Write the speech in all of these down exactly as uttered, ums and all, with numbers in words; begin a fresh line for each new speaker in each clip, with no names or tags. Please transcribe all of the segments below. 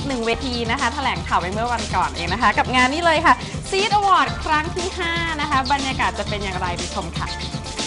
หนึ่งเวทีนะคะแถลงข่าวไปเมื่อวันก่อนเองนะคะกับงานนี้เลยค่ะ Seed Award ครั้งที่ห้านะคะบรรยากาศจะเป็นอย่างไรไปชมค่ะ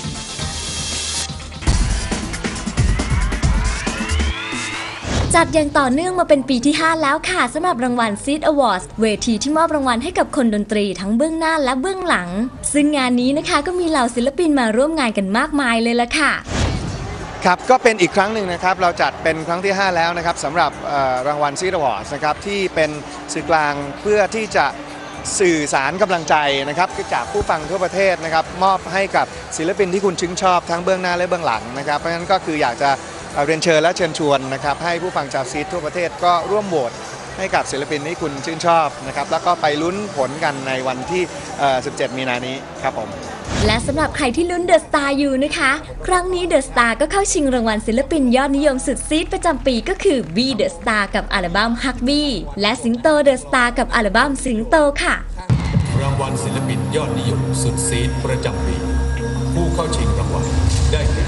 จัดอย่างต่อเนื่องมาเป็นปีที่ห้าแล้วค่ะสำหรับรางวัล Seed Awards เวทีที่มอบรางวัลให้กับคนดนตรีทั้งเบื้องหน้าและเบื้องหลังซึ่งงานนี้นะคะก็มีเหล่าศิลปินมาร่วมงานกันมากมายเลยล่ะค่ะ
ครับก็เป็นอีกครั้งหนึ่งนะครับเราจัดเป็นครั้งที่ห้าแล้วนะครับสำหรับรางวัล Seed Awards นะครับที่เป็นสื่อกลางเพื่อที่จะสื่อสารกำลังใจนะครับจากผู้ฟังทั่วประเทศนะครับมอบให้กับศิลปินที่คุณชื่นชอบทั้งเบื้องหน้าและเบื้องหลังนะครับเพราะฉะนั้นก็คืออยากจะเรียนเชิญและเชิญชวนนะครับให้ผู้ฟังชาวซีดทั่วประเทศก็ร่วมโหวตให้กับศิลปินที่คุณชื่นชอบนะครับแล้วก็ไปลุ้นผลกันในวันที่สิบเจ็ดมีนานี้ครับผม
และสำหรับใครที่ลุ้นเดอะสตาร์อยู่นะคะครั้งนี้เดอะสตาร์ก็เข้าชิงรางวัลศิลปินยอดนิยมสุดซีดประจำปีก็คือบีเดอะสตาร์กับอัลบั้มฮักบี้และสิงโตเดอะสตาร์กับอัลบั้มสิงโตค่ะ
รางวัลศิลปินยอดนิยมสุดซีดประจำปีผู้เข้าชิงรางวัลได้แก่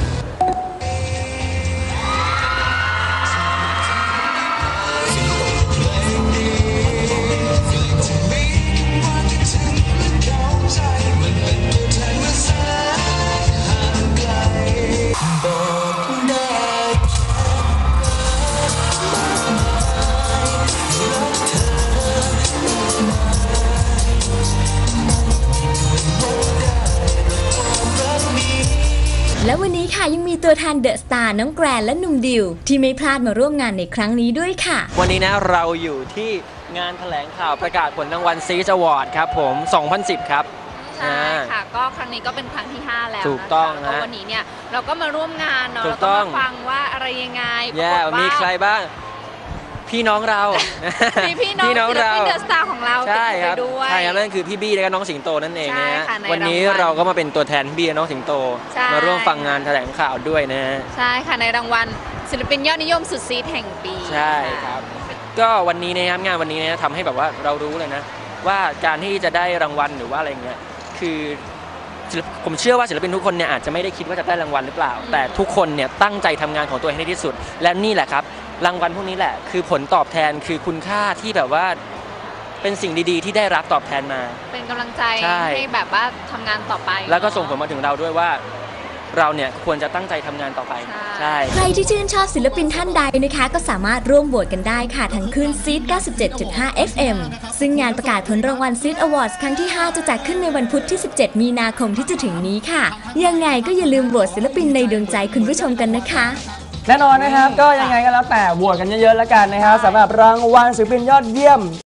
และวันนี้ค่ะยังมีตัวแทนเดอะสตาร์น้องแกรนและหนุ่มดิวที่ไม่พลาดมาร่วมงานในครั้งนี้ด้วยค่ะ
วันนี้นะเราอยู่ที่งานแถลงข่าวประกาศผลรางวัล Seed Award ครับผมสองพันสิบครับ
ใช่ค่ะก็ครั้งนี้ก็เป็นครั้งที่ห้าแล้ว
ถูกต้องนะ
วันนี้เนี่ยเราก็มาร่วมงานเนาะ
เรา
ก็มาฟังว่าอะไรยังไง
แย่มีใครบ้างพี่น้องเรา
มีพี่น้องศิลปินเดอะสตาร์ของเรา
ใช่ครับ
ด้วย
ใช่ครับนั่นคือพี่บี้และน้องสิงโตนั่นเองนะวันนี้เราก็มาเป็นตัวแทนพี่บี้และน้องสิงโตมาร่วมฟังงานแถลงข่าวด้วยนะ
ใช่ค่ะในรางวัลศิลปินยอดนิยมสุดซีดแห่งปี
ใช่ครับก็วันนี้นะครับงานวันนี้นะทำให้แบบว่าเรารู้เลยนะว่าการที่จะได้รางวัลหรือว่าอะไรเงี้ยคือผมเชื่อว่าศิลปินทุกคนเนี่ยอาจจะไม่ได้คิดว่าจะได้รางวัลหรือเปล่าแต่ทุกคนเนี่ยตั้งใจทำงานของตัวเองให้ที่สุดและนี่แหละครับรางวัลพวกนี้แหละคือผลตอบแทนคือคุณค่าที่แบบว่าเป็นสิ่งดีๆที่ได้รับตอบแทนมา
เป็นกำลังใจให้แบบว่าทำงานต่อไป
แล้วก็ส่งผลมาถึงเราด้วยว่าเราเนี่ยควรจะตั้งใจทำงานต่อไป
ใช่ใครที่ชื่นชอบศิลปินท่านใดนะคะก็สามารถร่วมโหวตกันได้ค่ะทั้งคลื่น ซีด เก้าสิบเจ็ดจุดห้า เอฟ เอ็ม ซึ่งงานประกาศผลรางวัล Seed Awards ครั้งที่ห้าจะจัดขึ้นในวันพุธที่สิบเจ็ดมีนาคมที่จะถึงนี้ค่ะยังไงก็อย่าลืมโหวตศิลปินในดวงใจคุณผู้ชมกันนะคะ
แน่นอนนะครับก็ยังไงก็แล้วแต่โหวตกันเยอะๆแล้วกันนะครับสำหรับรางวัลศิลปินยอดเยี่ยม